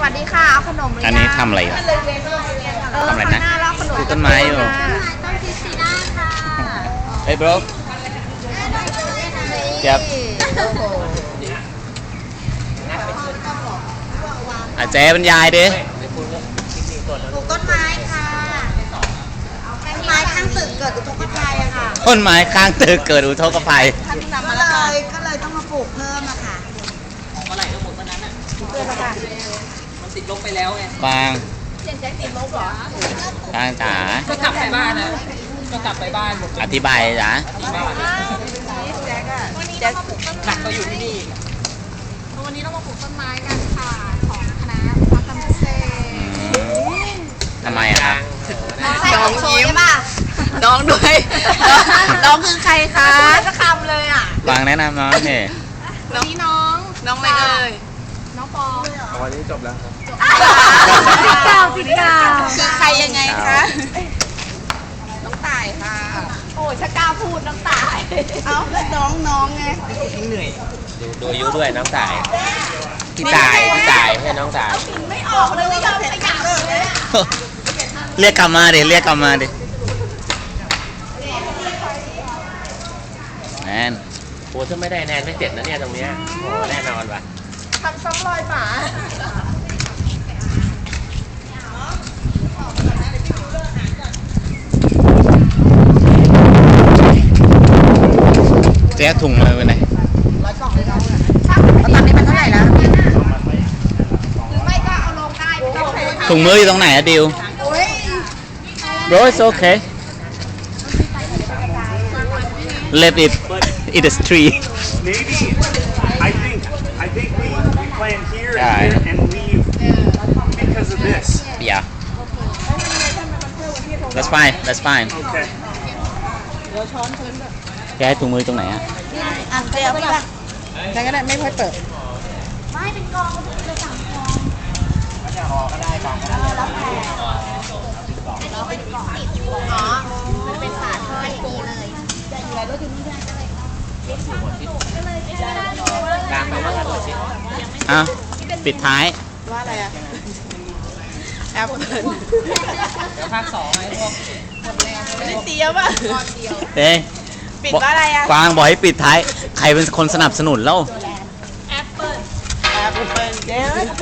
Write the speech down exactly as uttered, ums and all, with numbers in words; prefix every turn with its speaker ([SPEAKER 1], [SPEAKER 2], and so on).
[SPEAKER 1] วัสดีค่ะเอาขนมหรือยัง
[SPEAKER 2] อันนี้ทำอะไรอ่ะ
[SPEAKER 1] เออ
[SPEAKER 2] ทำอะไรนะ
[SPEAKER 1] ข้างหน้าเราขนม
[SPEAKER 2] ปลูกต้นไม้อยู่
[SPEAKER 1] ต้น
[SPEAKER 3] ต้นคริสติน่าค่ะ
[SPEAKER 2] เฮ้ย bro เจ็บอาเจ๊บรรยายดิ
[SPEAKER 3] ปลูกต้นไม้ค่ะต้นไม้ข้างตึกเกิดอุทกภัยอะค่ะ
[SPEAKER 2] ต้นไม้ข้างตึกเกิดอุทกภัย
[SPEAKER 3] ท่านนำมาแล้วเลยก็เลยต้องมาปลูกเพิ่มอะค่ะ
[SPEAKER 4] เมื่อไหร่ก็หมดวันนั้นอ่ะ
[SPEAKER 1] เพื่อนละค่ะ
[SPEAKER 4] มันติดลบไปแล้วไง
[SPEAKER 2] กวาง
[SPEAKER 1] เสียงแจ็คติดลบเหรอก
[SPEAKER 2] วางจ๋า
[SPEAKER 4] ก็กลับไปบ้านนะก็กลับไปบ้านหมด
[SPEAKER 2] อธิบายจ๋า
[SPEAKER 4] ที่บ้าน
[SPEAKER 1] แจ็คอะแจ็ค
[SPEAKER 4] หนักก็อยู่ที่นี่
[SPEAKER 1] วันนี้เรามาปลูกต้นไม้กันค่ะของคณะวัฒนธรรมเกษตร
[SPEAKER 2] ทำไมอะครับ
[SPEAKER 1] น้องยิ้มป่ะ
[SPEAKER 4] น้องด้วย
[SPEAKER 1] น้องคือใครคะจะคำเลยอ่ะ
[SPEAKER 2] กวางแนะนำน้องนี่
[SPEAKER 1] น้องน้อง
[SPEAKER 4] น้องอะไรเอ่ย
[SPEAKER 1] น้องปอ
[SPEAKER 5] วันนี้จบแล้วครับ
[SPEAKER 1] สิบเก้าสิบเก้า
[SPEAKER 3] คือใครยังไงคะ
[SPEAKER 1] น้องต่ายค่ะ โอ้ยถ้ากล้าพูดน้องต่าย
[SPEAKER 3] เอ้าน้องน้องไง
[SPEAKER 4] เหนื่อย
[SPEAKER 5] ดูดูอายุด้วยน้องตายพี่ตายพี่ตายไม่ใช่น้องตาย
[SPEAKER 1] ไม่ออกเลยไม่ยอมขยับเลยอะ
[SPEAKER 2] เรียกกลับมาดิเรียกกลับมาดิแนน
[SPEAKER 5] โอ้ถ้าไม่ได้แนนไม่เสร็จนะเนี่ยตรงเนี้ยโอ้แน่นอนว่ะ
[SPEAKER 1] ทำซ้ำรอยฝา
[SPEAKER 2] เจ๊ถุงมือไปไหน
[SPEAKER 1] ร้อยกล่องเลยน้องอะช่างตอนนี้มันเท่าไหร่แล้วหรือไม่ก็เอาลงได้ไม่ต้องใช้
[SPEAKER 2] ถุงมืออยู่ตรงไหนอะดิว
[SPEAKER 1] โอ้ย
[SPEAKER 2] bro it's okay left it in the street
[SPEAKER 6] Maybe I think I think we, we plan here and
[SPEAKER 2] Yeah.
[SPEAKER 6] here and leave because of this.
[SPEAKER 2] yeah that's fine that's fine
[SPEAKER 6] Okay.
[SPEAKER 2] แกให้ถุงมือตรงไหนอะ
[SPEAKER 3] อ่ะเดี๋ยวพี่ป่ะ
[SPEAKER 1] นั่นก็ได้ไม่ค่อยเปิด
[SPEAKER 3] ไม่เป็นกองเลยสั่งกองอ๋อ มันเป็นฝาท่ออย่างนี้เลย
[SPEAKER 5] กลางไปว่าถนนสิ
[SPEAKER 2] อ้าวปิดท้าย
[SPEAKER 1] ว่าอะไรอะแอปเปิล
[SPEAKER 4] เดี๋ยวภาคสองไอ้พวก
[SPEAKER 1] นี่เตี้ยป่ะ
[SPEAKER 2] เอ้ย
[SPEAKER 1] ปิดว่าอะไรอะ
[SPEAKER 2] กวางบอกให้ปิดท้าย ใครเป็นคนสนับสนุนแล้ว
[SPEAKER 1] แอปเปิลแอปเปิลเจ๊